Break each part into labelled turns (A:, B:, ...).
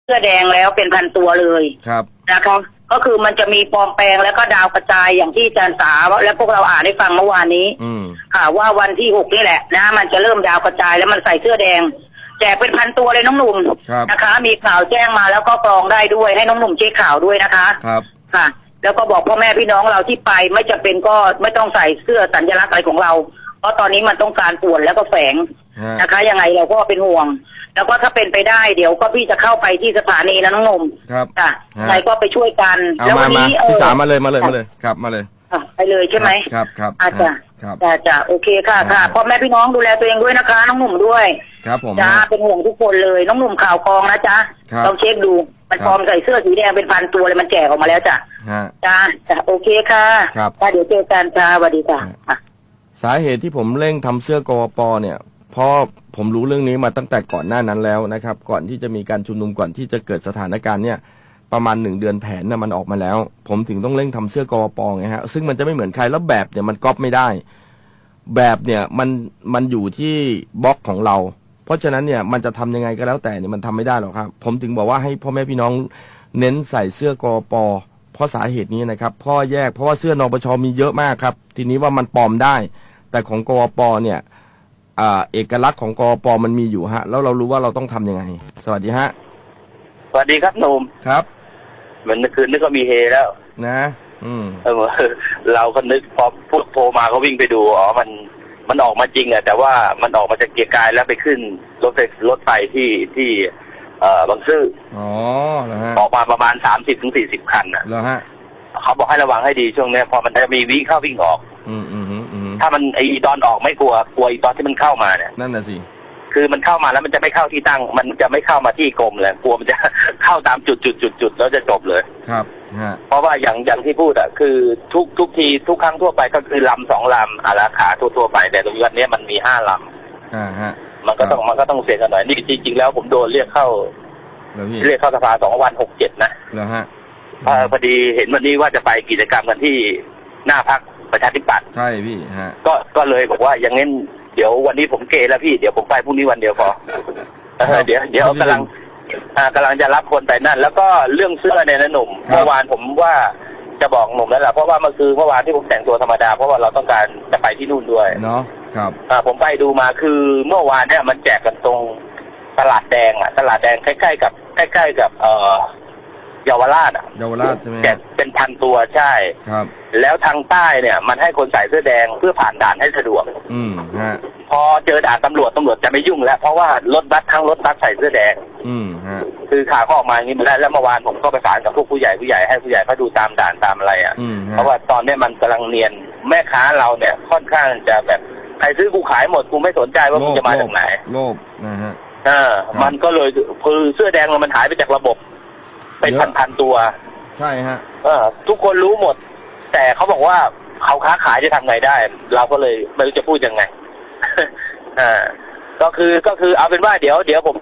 A: เสื้อแดงแล้วเป็นพันตัวเลย
B: ครับ
A: นะคะก็คือมันจะมีปลอมแปลงแล้วก็ดาวกระจายอย่างที่อาจารย์สาและพวกเราอ่านได้ฟังเมื่อวานนี้ค่ะว่าวันที่6นี่แหละนะมันจะเริ่มดาวกระจายแล้วมันใส่เสื้อแดงแจกเป็นพันตัวเลยน้องหนุ่มนะคะมีข่าวแจ้งมาแล้วก็กรองได้ด้วยให้น้องหนุ่มเช็คข่าวด้วยนะคะ
B: ครับ
A: ค่ะแล้วก็บอกพ่อแม่พี่น้องเราที่ไปไม่จำเป็นก็ไม่ต้องใส่เสื้อสัญลักษณ์อะไรของเราเพราะตอนนี้มันต้องการป่วนแล้วก็แฝงนะคะยังไงเราก็เป็นห่วงแล้วก็ถ้าเป็นไปได้เดี๋ยวก็พี่จะเข้าไปที่สถานีนะน้องหนุ่ม
B: ครับ
A: ค่ะใครก็ไปช่วยกัน
B: แล้ววันนี้พี่สามาเลยครับมาเลย
A: ไปเลยใช่ไหม
B: ครับ
A: อาจารย์จ้ะโอเคค่ะพ่อแม่พี่น้องดูแลตัวเองด้วยนะคะน้องหนุ่มด้วย
B: ครับผม
A: จ้าเป็นห่วงทุกคนเลยน้องหนุ่มข่าวกองนะจ๊ะลองเช็คดูมันปลอมใส่เสื้อสีแดงเป็นพันตัวเลยมันแจกออกมาแล้วจ้ะจ้าโอเคค่ะเดี๋ยวเจอกันจ้าสวัสดีค่ะ
B: สาเหตุที่ผมเร่งทำเสื้อกวป.เนี่ยเพราะผมรู้เรื่องนี้มาตั้งแต่ก่อนหน้านั้นแล้วนะครับก่อนที่จะมีการชุมนุมก่อนที่จะเกิดสถานการณ์เนี่ยประมาณ1 เดือนแผนน่ะมันออกมาแล้วผมถึงต้องเร่งทำเสื้อกวป.ไงฮะซึ่งมันจะไม่เหมือนใครแล้วแบบเนี่ยมันก๊อปไม่ได้แบบเนี่ยมันอยู่ที่บล็อกของเราเพราะฉะนั้นเนี่ยมันจะทำยังไงก็แล้วแต่เนี่ยมันทำไม่ได้หรอกครับผมถึงบอกว่าให้พ่อแม่พี่น้องเน้นใส่เสื้อกวป.เพราะสาเหตุนี้นะครับเพราะว่าเสื้อนปช.มีเยอะมากครับทีนี้ว่ามันปลอมได้แต่ของกวป.เนี่ยเอกลักษณ์ของกวป.มันมีอยู่ฮะแล้วเรารู้ว่าเราต้องทำยังไงสวัสดีฮะ
C: สวัสดีครับหนุ่ม
B: ครับ
C: เหมือนคืนนึกก็มีเฮแล้ว
B: นะ
C: เราก็นึกพอพูดโทรมาก็วิ่งไปดูมันออกมาจริงอะแต่ว่ามันออกมาจากเกียร์กายแล้วไปขึ้นรถไฟที่บางซื่อออกมาประมาณ30-40 คันอะเขาบอกให้ระวังให้ดีช่วงนี้พอมันจะมีวิ่งเข้าวิ่งออกถ้ามันไอตอนออกไม่กลัวอีตอนที่มันเข้ามาเนี่ย
B: นั่นน่ะสิ
C: คือมันเข้ามาแล้วมันจะไม่เข้าที่ตั้งมันจะไม่เข้ามาที่กรมเลยกลัวมันจะเข้าตามจุดแล้วจะจบเลย
B: ครับ
C: เพราะว่าอย่างที่พูดอ่ะคือทุกทีทุกครั้งทั่วไปก็คือลำ2 ลำราคาทั่วไปแต่ตรงนี้มันมี5 ลำมันก็ต้องเสียกันหน่อยนี่จริงๆแล้วผมโดนเรียกเข้าสภา2 วัน 6-7นะ
B: แล้วฮะ
C: พอดีเห็นวันนี้ว่าจะไปกิจกรรมกันที่หน้าพรรคประชาธิปัตย์
B: ใช่พี่ฮะ
C: ก็เลยบอกว่าอย่างงั้นเดี๋ยววันนี้ผมเกแล้วพี่เดี๋ยวผมไปพรุ่งนี้วันเดียวพอเดี๋ยวกำลังจะรับคนไปนั่นแล้วก็เรื่องเสื้อเนี่ยนะหนุ่มเมื่อวานผมว่าจะบอกหนุ่มแล้วล่ะเพราะว่าเมื่อวานที่ผมแต่งตัวธรรมดาเพราะว่าเราต้องการจะไปที่นู่นด้วย
B: เนาะครับ
C: ผมไปดูมาคือเมื่อวานเนี่ยมันแจกกันตรงตลาดแดงใกล้ๆกับเยาวราช
B: ใช่ไหม
C: แจกเป็นพันตัวใช่
B: ครับ
C: แล้วทางใต้เนี่ยมันให้คนใส่เสื้อแดงเพื่อผ่านด่านให้สะดวกพอเจอด่านตำรวจจะไม่ยุ่งแล้วเพราะว่ารถบัสใส่เสื้อแดงคือข่าวออกมาอย่างนี้มาแล้วเมื่อวานผมก็ประสานกับพวกผู้ใหญ่ให้ผู้ใหญ่เขาดูตามด่านตามอะไรเพราะว่าตอนนี้มันกำลังเนียนแม่ค้าเราเนี่ยค่อนข้างจะแบบใครซื้อกูขายหมดกูไม่สนใจว่ามึงจะมาจากไหน
B: โลภนะฮะ
C: มันก็เลยคือเสื้อแดงมันหายไปจากระบบเป็นพันตัว
B: ใช่ฮะ
C: ทุกคนรู้หมดแต่เขาบอกว่าเขาค้าขายจะทำไงได้เราก็เลยไม่รู้จะพูดยังไงก็คือเอาเป็นว่าเดี๋ยวผม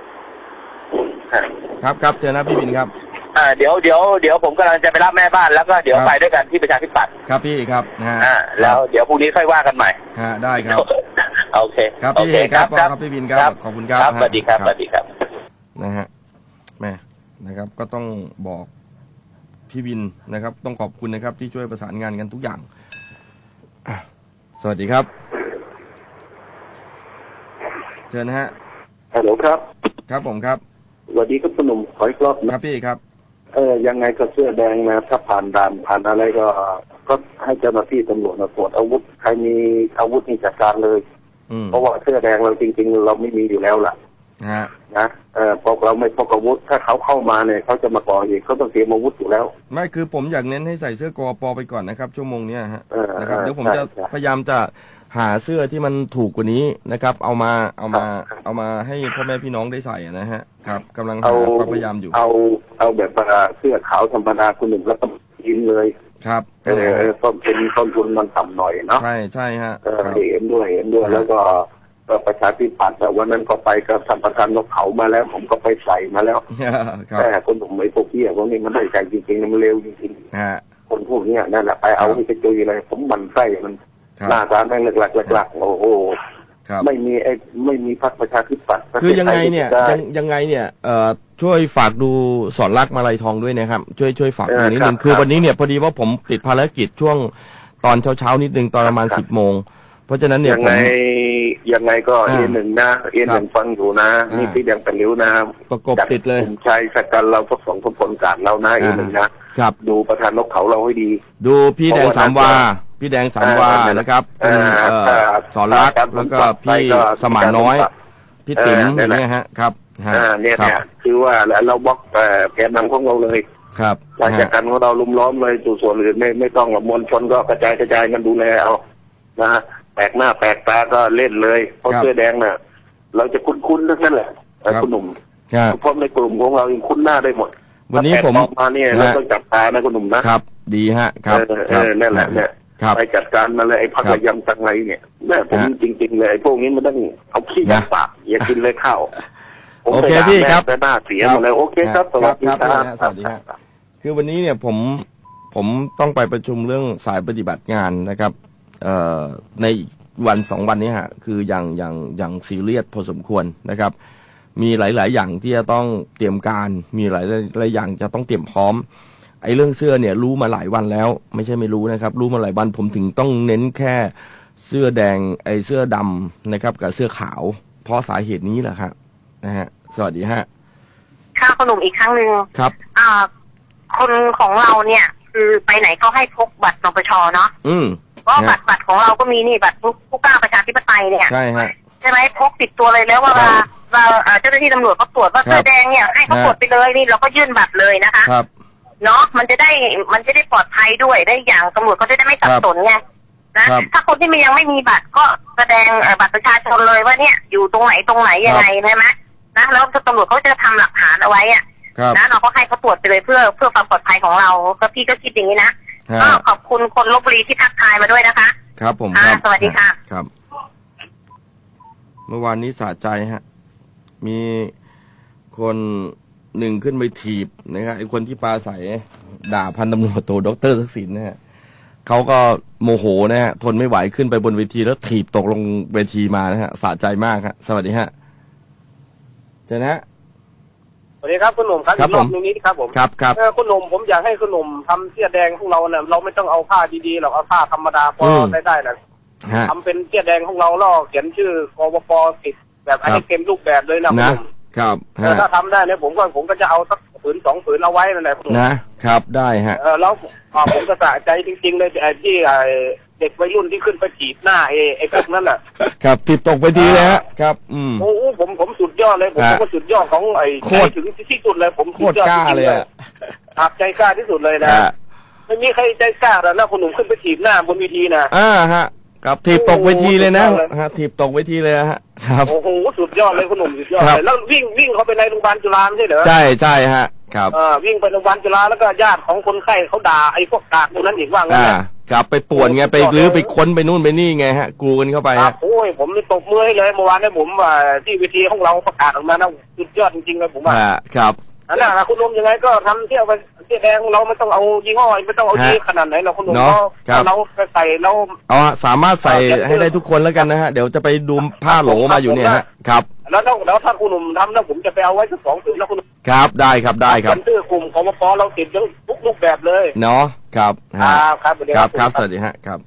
B: ครับเจอนะพี่บินครับ
C: เดี๋ยวผมกำลังจะไปรับแม่บ้านแล้วก็เดี๋ยวไปด้วยกันที่ประชาธิปัตย์
B: ครับพี่ครับ
C: แล้วเดี๋ยวพรุ่งนี้ค่อยว่ากันใหม่
B: ได้ครับ
C: โอเค
B: ครับพี่ครับพี่บินครับขอบคุณครับ
C: สวัสดีครับ
B: นะฮะแม่นะครับก็ต้องบอกพี่บินนะครับต้องขอบคุณนะครับที่ช่วยประสานงานกันทุกอย่างสวัสดีครับเชิญนะฮะ
D: ฮัลโหลครับ
B: ครับผมครับ
D: สวัสดีครับคุณหนุ่มขออีกรอบ
B: ครับพี่ครับ
D: ยังไงก็เสื้อแดงนะถ้าผ่านด่านผ่านอะไรก็ให้เจ้าหน้าที่ตำรวจมาตรวจอาวุธใครมีอาวุธนี่จัดการเลยเพราะว่าเสื้อแดงเราจริงๆเราไม่มีอยู่แล้วล่ะนะพอเราไม่พกอาวุธถ้าเขาเข้ามาเนี่ยเขาจะมาก่อเหตุเขาต้องเตรียมอาวุธอยู่แล้ว
B: ไม่คือผมอยากเน้นให้ใส่เสื้อกป.ไปก่อนนะครับชั่วโมงนี้ฮะนะครับเดี๋ยวผมจะพยายามจะหาเสื้อที่มันถูกกว่านี้นะครับเอามาให้พ่อแม่พี่น้องได้ใส่นะฮะครับกำลังหาความพยายามอยู่
D: เอาแบบเสื้อขาวธรรมดาคุณหนึ่งแล้วก็ยินเลย
B: ครับ
D: ต้นทุนมันต่ำหน่อยเนาะ
B: ใช่ฮะ
D: เห็นด้วยแล้วก็ประชาธิปัตย์แต่วันนั้นก็ไปกับท่านประธานนกเขามาแล้วผมก็ไปใส่มาแล้วแต่คนผมไม่พวกพี่พวกนี้มันได้ใจจริงๆมันเร็วจริงๆคนพวกนี้นั่นแหละไปเอาที่จะจุยอะไรผมมันไส้มันหน้าตาแม่งหลักโอ้โหไม่มีพรรคประชาธิปัตย์
B: คือยังไงเนี่ยช่วยฝากดูสอนรักมาลัยทองด้วยนะครับช่วยฝากนิดนึงคือวันนี้เนี่ยพอดีว่าผมติดภารกิจช่วงตอนเช้านิดนึงตอนประมาณ10 โมงเพราะฉะนั้นเนี่ย
D: ยังไงก็A1นะA1ฟังอยู่นะนี่พี่ยังเป็นริ้วนะ
B: ประกบติดเลย
D: ชายสักกันเราทดสองทบผลการเรานะA1นะครับดูประธานนกเขาเราให้ดี
B: ดูพี่แดง3 วาพี่แดง3 วานะครับสอนรักแล้วก็พี่สมานน้อยพี่ติ๋มอย่างเงี้ยฮะครับ
D: เนี่ยคือว่าเราบล็อกแกนนำของเราเลย
B: ครับ
D: ราชการของเราลุมล้อมเลยส่วนอื่นไม่ต้องมวลชนก็กระจายกันดูแลเอานะแปลกหน้าแปลกตาก็เล่นเลยเพราะเสื้อแดงน่ะเราจะคุ้นๆทั้งนั้นแหละคุณหนุ่มเพราะในกลุ่มของเรายังคุ้นหน้าได้หมด
B: วันนี้ผม
D: มาเนี่ยเราต้องจับตานะคุณหนุ่มนะครับ
B: ดีฮะครับ
D: นั่นแหละเนี่ยไปจัดการมาเลยไอ้พักระยำตังไรเนี่ยแม่ผมจริงๆเลยไอ้พวกนี้มันต้องเอาขี้ยัดปากอย่ากินเลยข้าว
B: โอเคพี่ครับ
D: แต่หน้าเสียหมดเลยโอเคครับสวัสดีครับ
B: สวัสดีครับคือวันนี้เนี่ยผมต้องไปประชุมเรื่องสายปฏิบัติงานนะครับในวัน2 วันนี้ฮะคืออย่างซีเรียสพอสมควรนะครับมีหลายๆอย่างที่จะต้องเตรียมการมีหลายอย่างจะต้องเตรียมพร้อมไอ้เรื่องเสื้อเนี่ยรู้มาหลายวันแล้วไม่ใช่ไม่รู้นะครับรู้มาหลายวันผมถึงต้องเน้นแค่เสื้อแดงไอ้เสื้อดำนะครับกับเสื้อขาวเพราะสาเหตุนี้แหละครับนะฮะสวัสดีฮะ
E: ค่ะคุณหนุ่มอีกครั้งหนึ่ง
B: ครับ
E: คนของเราเนี่ยคือไปไหนก็ให้พกบัตรนปช.เนาะเพราะบัตรของเราก็มีนี่บัตรผู้กล้าประชาธิปไตยเนี่ย
B: ใช่ฮะ
E: ใช่ไหมพกติดตัวเลยแล้วว่าเจ้าหน้าที่ตำรวจเขาตรวจว่าเสื้อแดงเนี่ยให้เขาตรวจไปเลยนี่เราก็ยื่นบัตรเลยนะคะ
B: ครับ
E: เนาะมันจะได้ปลอดภัยด้วยได้อย่างตำรวจเขาจะได้ไม่สับสนไงนะถ้าคนที่ยังไม่มีบัตรก็แสดงบัตรประชาชนเลยว่าเนี่ยอยู่ตรงไหนยังไงใช่ไหมนะแล้วตำรวจเขาจะทำหลักฐานเอาไว้อะนะเราก็ให้เขาตรวจไปเลยเพื่อความปลอดภัยของเราก็พี่ก็คิดอย่างนี้นะก็ขอบคุณคนลพบุรีที่ทักทายมาด้วยนะคะ
B: ครับผม
E: สวัสดีค่ะ
B: ครับเมื่อวานนี้สะใจฮะมีคนหนึ่งขึ้นไปถีบนะครับไอ้คนที่ปาใส่ด่าพันตำรวจโทดร.ทักษิณนะฮะเขาก็โมโหนะฮะทนไม่ไหวขึ้นไปบนเวทีแล้วถีบตกลงเวทีมานะฮะสะใจมากครับสวัสดีฮะเจนะฮะ
F: สวัสดีครับคุณหนุ่มครับรอบนี้ครับผม
B: ครับ
F: คุณหนุ่มผมอยากให้คุณหนุ่มทำเสื้อแดงของเราเนี่ยเราไม่ต้องเอาผ้าดีๆหรอกเอาผ้าธรรมดาพอได้นะทำเป็นเสื้อแดงของเราล่อเขียนชื่อกปปติดแบบอันนี้เต็มรูปแบบเลยนะคุณหนุ่ม
B: ครับ
F: ถ้าทำได้เนี่ยผมก็จะเอาสักผืน2 ผืนเอาไว้นั่นแหละคุณหนุ่ม
B: นะครับได้ฮะ
F: แล้วผมก็สะใจจริงๆเลยที่เด็กวัยรุ่นที่ขึ้นไปถีบหน้าไอ้พวกนั้นน่ะ
B: ครับถีบตกไปทีเลยฮะครับ
F: โอ้ผมสุดยอดเลยผมก็สุดยอดของไอ้ถึงที่สุดเลยผมสุดยอด
B: จริงๆเลย
F: ครับใจกล้าที่สุดเลยนะไม่มีใครใจกล้าแล้วนะคุณหนุ่มขึ้นไปถีบหน้าบนเวทีนะ
B: ฮะครับถีบตกเวทีเลยนะฮะถีบตกเวทีเลยฮะครับ
F: โอ้โหสุดยอดเลยคุณหนุ่มสุดยอดเลยแล้ววิ่งเข้าไปในโรงพยาบาลจุฬาไม่ใช่เหรอ
B: ใช่ฮะครับ
F: วิ่งไปโรงพยาบาลจุฬาแล้วก็ญาติของคนไข้เขาด่าไอ้พวกกากพวกนั้นอีกว่างั้น
B: ครับไปป่วนไงไปรื้อไปค้นไปนู่นไปนี่ไงฮะกลูกันเข้าไปฮะ
F: โอ้ยผมเลยตบมือให้เลยเมื่อวานเนี่ยผมที่เวทีของเราประกาศออกมานะสุดยอดจริงๆเลยผมว่า
B: ครับ
F: นั่นแหละคุณนมยังไงก็ทำเที่ยวไปเสื้อแดงเราไม่ต้องเอายี่ห้อไม่ต้องเอายี่ขนาดไหนเราคุณนมเราใส่เรา
B: สามารถใส่ให้ได้ทุกคนแล้วกันนะฮะเดี๋ยวจะไปดูผ้าโหลมาอยู่เนี่ยฮะครับ
F: แล้วถ้าคุณหนุ่มทำแล้วผมจะไปเอาไว้สัก2 ผืนแล้วคุณ
B: ครับได้ครับเป็น
F: ชื่อกลุ่มของปปเราติดทุกรูปแบบเลย
B: เนาะครับ
F: ครับ
B: สวัสดีฮะครับ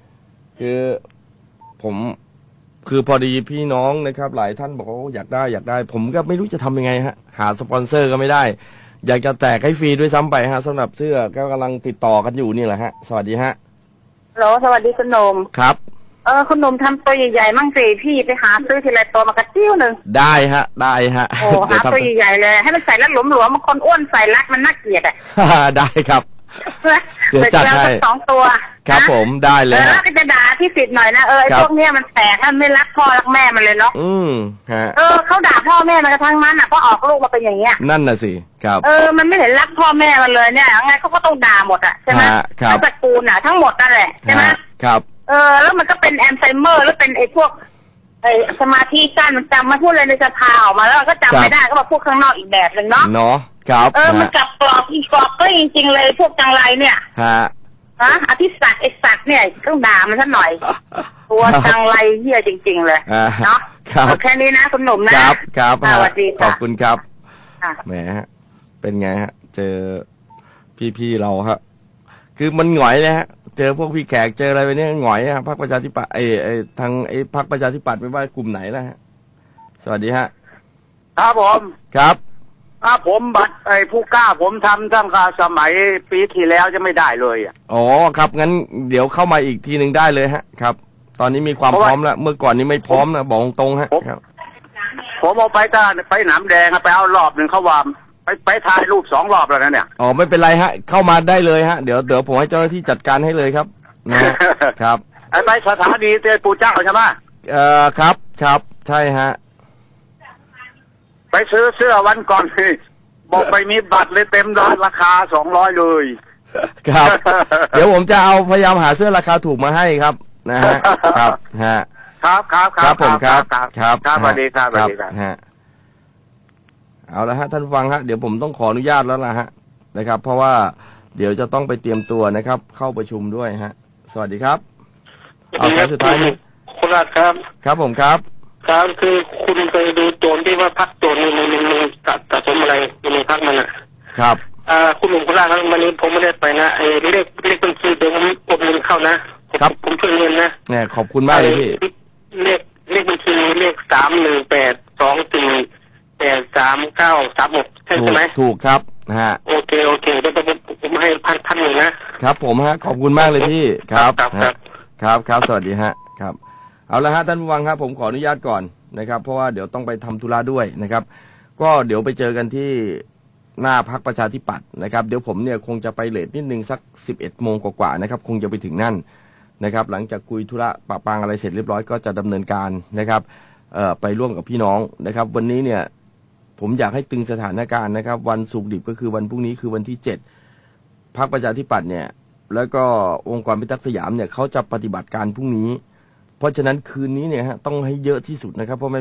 B: คือพอดีพี่น้องนะครับหลายท่านบอกว่าอยากได้ผมก็ไม่รู้จะทำยังไงฮะหาสปอนเซอร์ก็ไม่ได้อยากจะแจกให้ฟรีด้วยซ้ำไปฮะสำหรับเสื้อก็กำลังติดต่อกันอยู่นี่แหละฮะสวัสดีฮะ
E: สวัสดีคุณนม
B: ครับ
E: คุณหนุ่มทำตัวใหญ่ๆมั่งสิพี่ไปหาซื้อทีละตัวมากระติ้วหนึ่ง
B: ได้ฮะ
E: โอ้หาตัวใหญ่ๆเลยให้มันใส่แล้วหลวมๆมันคนอ้วนใส่รัดมันน่าเกลียดอ่ะ
B: ได้ครับ
E: เดี๋ยวจัดให้2 ตัว
B: ครับผมได้เลย
E: แล้วก็จะด่าที่สิทธิ์หน่อยนะไอ้พวกเนี้ยมันแตกมันไม่รักพ่อรักแม่มันเลยเนาะ
B: ฮะ
E: เขาด่าพ่อแม่มันกระทั่งนั้นอ่ะเพราะออกลูกมาเป็นอย่างเงี้ย
B: นั่นน่ะสิครับ
E: มันไม่เห็นรักพ่อแม่มันเลยเนี่ยไงเขาก็ต้องด่าหมดอ่ะใช่ไหมทั้งตระกูลอ่ะทั้งหมดนั่นแหละใช่ไหม
B: ครับ
E: แล้วมันก็เป็นแอลไซเมอร์แล้วเป็นไอ้พวกสมาธิสั้นมันจำมาพูดอะไรในสภาออกมาแล้วก็จำไม่ได้ก็มาพูดข้างนอกอีกแบบหนึ่งเนาะ
B: ครับ
E: มันกลับกรอบอีกกรอบก็จริงๆเลยพวกจังไรเนี่ย
A: อธิศักดิ์ไอ้ศักดิ์เนี่ยต้องด่ามันซะหน่อยตัวจังไรเหี้ยจริงๆเลยเนาะแค่นี้นะคุณหนุ่มนะครับสวัสดีค่ะ
B: ขอบคุณครับแหมเป็นไงฮะเจอพี่ๆเราฮะคือมันหงอยเลยฮะเจอพวกพี่แขกเจออะไรไปเนี่ยหงอยฮะพรรคประชาธิปัตย์ทางพรรคประชาธิปัตย์ไม่ว่ากลุ่มไหนนะฮะสวัสดีฮะ
G: ครับผม
B: ครับ
G: ผมบัตรผู้กล้าผมทำตั้งแต่สมัยปีที่แล้วจะไม่ได้เลย
B: อ๋อครับงั้นเดี๋ยวเข้ามาอีกทีหนึ่งได้เลยฮะครับตอนนี้มีความพร้อมแล้วเมื่อก่อนนี้ไม่พร้อมนะบอกตรงฮะครับ
G: ผมเอาไปหนามแดงไปเอารอบหนึ่งเขาว่าไปถ่ายรูป2 รอบแล้วนะเนี่ย
B: อ๋อไม่เป็นไรฮะเข้ามาได้เลยฮะเดี๋ยวผมให้เจ้าหน้าที่จัดการให้เลยครับนะครับ
G: ไปสถานีเตยปู่เจ้าใช่ไหม
B: ครับใช่ฮะ
G: ไปซื้อเสื้อวันก่อนบอกไปมีบัตรเลยเต็มร้านราคา200เลย
B: ครับเดี๋ยวผมจะเอาพยายามหาเสื้อราคาถูกมาให้ครับนะฮะครับฮะ
G: ครับ
B: ผมครับ
G: สวัสดีครับสวัสดีครับ
B: ฮะเอาละฮะท่านฟังฮะเดี๋ยวผมต้องขออนุญาตแล้วล่ะฮะนะครับเพราะว่าเดี๋ยวจะต้องไปเตรียมตัวนะครับเข้าประชุมด้วยฮะสวัสดีครับเอาสายสุดท้ายนี้
H: คุณรัฐครับ
B: ผมครับ
H: คือคุณไปดูโจรที่ว่าพักโจรมันสะสมอะไรในพักมันอ่ะ
B: ครับ
H: คุณหนุ่มคุณรัฐครับวันนี้ผมไม่ได้ไปนะเลขบัญชีเดี๋ยวผมกดเงินเข้านะครับผมช่วยเงินนะ
B: เนี่ยขอบคุณมากเลยพี่
H: เลขบัญชีเลข31824833936ใช่ไหม
B: ถูกครับฮะ
H: โอเคเดี๋ยวผมให้พันหนึ่งนะครับ
B: ผมฮะขอบคุณมากเลยพี่ครับสวัสดีฮะครับเอาละฮะท่านผู้ฟังครับผมขออนุญาตก่อนนะครับเพราะว่าเดี๋ยวต้องไปทำธุระด้วยนะครับก็เดี๋ยวไปเจอกันที่หน้าพรรคประชาธิปัตย์นะครับเดี๋ยวผมเนี่ยคงจะไปเลทนิดนึงสัก 11 โมงกว่าๆนะครับคงจะไปถึงนั่นนะครับหลังจากคุยธุระปะปางอะไรเสร็จเรียบร้อยก็จะดำเนินการนะครับไปร่วมกับพี่น้องนะครับวันนี้เนี่ยผมอยากให้ตึงสถานการณ์นะครับวันศุกร์ดิบก็คือวันพรุ่งนี้คือวันที่7พรรคประชาธิปัตย์เนี่ยแล้วก็องค์กรพิทักษ์สยามเนี่ยเขาจะปฏิบัติการพรุ่งนี้เพราะฉะนั้นคืนนี้เนี่ยฮะต้องให้เยอะที่สุดนะครับเพราะไม่